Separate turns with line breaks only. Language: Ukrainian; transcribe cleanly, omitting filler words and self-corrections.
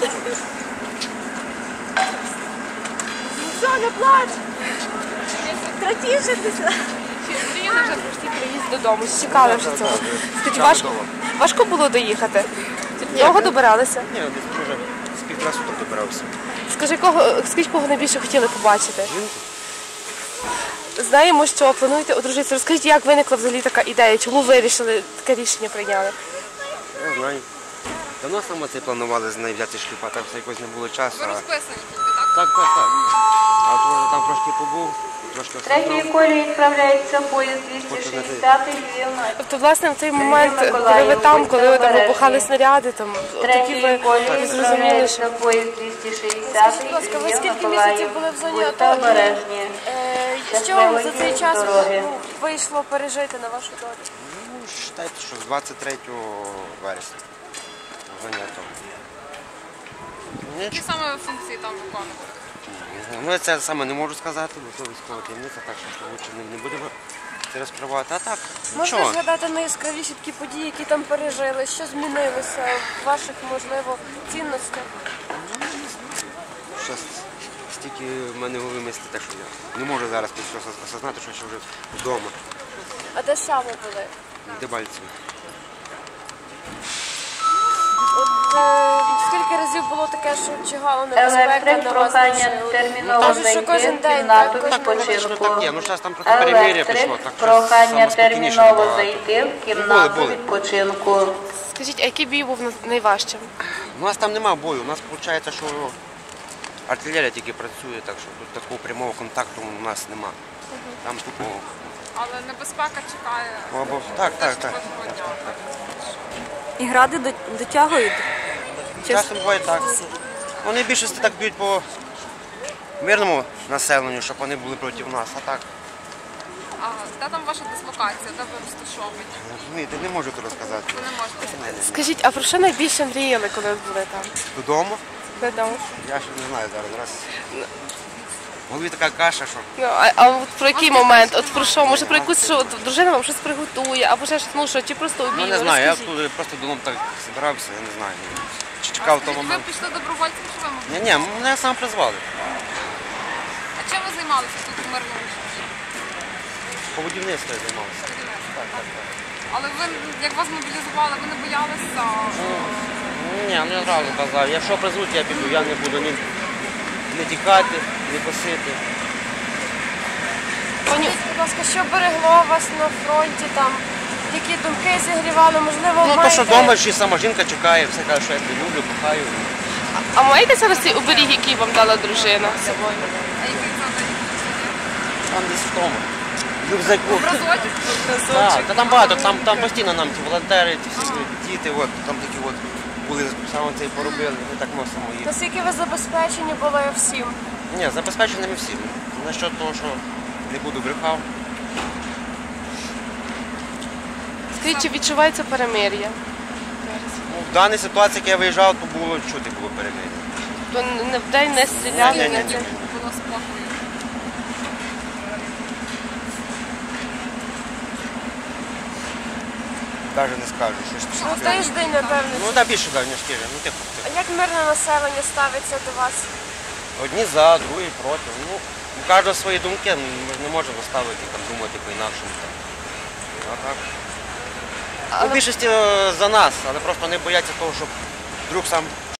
Все, не плач! Тратішитися!
Мріяли вже про всі приїзд додому, чекали вже цього. Скажіть, важко було доїхати? Довго добиралися?
Ні, десь вже з півтора суток добирався.
Скажіть, кого найбільше хотіли побачити? Знаємо, що плануєте одружитися. Розкажіть, як виникла взагалі така ідея? Чому вирішили таке рішення прийняли?
Не знаю. Давно саме це планували з нею взяти шлюб, а там все якось не було часу.
Ви розписані тільки, так?
Так. А от вже там трошки побув, трошки
Третьої колії відправляється поїзд 260 Львів.
Тобто, власне, в той момент, коли ви там, коли ви там вибухали снаряди, там, тоді
Третьої
ви
колії
зрозуміли, що...
відправляється поїзд 260
Скажіть, будь ласка, ви
Львів,
скільки
Миколаїв.
місяців були в зоні
Будьте
АТО?
обережні.
Що вам за цей час
дороги.
вийшло пережити на вашу долю?
Ну, вважайте, що з 23 вересня. Занято.
Які саме функції там виконували?
Ну, я це саме не можу сказати, бо це військова таємниця, так що лучше не будемо це розкривати. А так,
Можна
нічого.
згадати найяскравіші такі події, які там пережили? Що змінилося в ваших, можливо, цінностях?
Щас стільки в мене в голові мислі, так що я не можу зараз осознати, що я ще вже вдома.
А де саме були?
В Дебальцеві.
От скільки разів було таке, що чигала небезпека
Електрик,
на вас
прохання
машину?
терміново
Кажуть, що
зайти
кожен
в
день,
кімнату
так, кожен день.
Що
відпочинку.
так є, ну зараз там трохи перемир'я пішло,
Електрик,
так що
прохання
саме спокійніше
терміново
набагато.
зайти в кімнату
Були.
відпочинку.
Скажіть, а який бій був найважчим?
У нас там немає бою, у нас виходить, що артилерія тільки працює, так що тут такого прямого контакту у нас немає. Там тупо...
Але небезпека чекає.
Так.
І гради дотягують?
Часом буває так. Вони більшості так б'ють по мирному населенню, щоб вони були проти нас, а так.
А де там ваша дислокація, де ви розташовані?
Розумієте, не можу то розказати.
Ви не можете.
Скажіть, а про що найбільше мріяли, коли були там?
Додому?
Додому.
Я ще не знаю зараз. В голові така каша, що...
Ну, а от про який момент? От про що? Може про якусь, що от дружина вам щось приготує, або ще щось, ну що, чи просто обійме?
Ну не знаю, я
Розкажіть.
тут просто вдома так збирався, я не знаю. Чи чекав того
Ви
моменту.
пішли добровольцем, чи ви могли?
Ні, мене сам призвали.
А чим ви займалися тут у мирному житті?
По будівництву я займався.
Але ви, як вас мобілізували, ви не боялися?
Ні, ну я одразу казав, якщо призвуть, я піду, я не буду не тікати, не косити.
Пані, будь ласка, що берегло вас на фронті там? Які думки зігрівали, можливо,
Ну, то,
маєте...
що вдома ще сама жінка чекає, все каже, що я тебе люблю, кохаю.
А маєте зараз цей оберіг, який вам дала дружина з собою?
А який це день?
Там десь вдома. В рюкзаку.
Разочок?
Так, та там багато, там постійно нам ті волонтери, ті всі діти, от, там такі от були, саме це і поробили, ми так носимо їх.
Наскільки ви забезпечені були всім?
Ні, забезпеченими всі. Насчет того, що не буду брехав.
Скажіть, чи відчувається перемир'я?
Ну, в даній ситуації, як я виїжджав, то було чути було перемир'я.
То не вдень не стріляли?
Ні.
Було спокою.
Навіть не скажу, що
Ну, тиждень, напевно.
Ну, так більше навіть, ніж тиждень. Ну, тихо.
А як мирне населення ставиться до вас?
Одні за, другі проти. Ну, у кожного свої думки, ми ж не можемо ставити, там, думати по-інакшому. А так. Ну, в більшості за нас, але просто не бояться того, щоб вдруг сам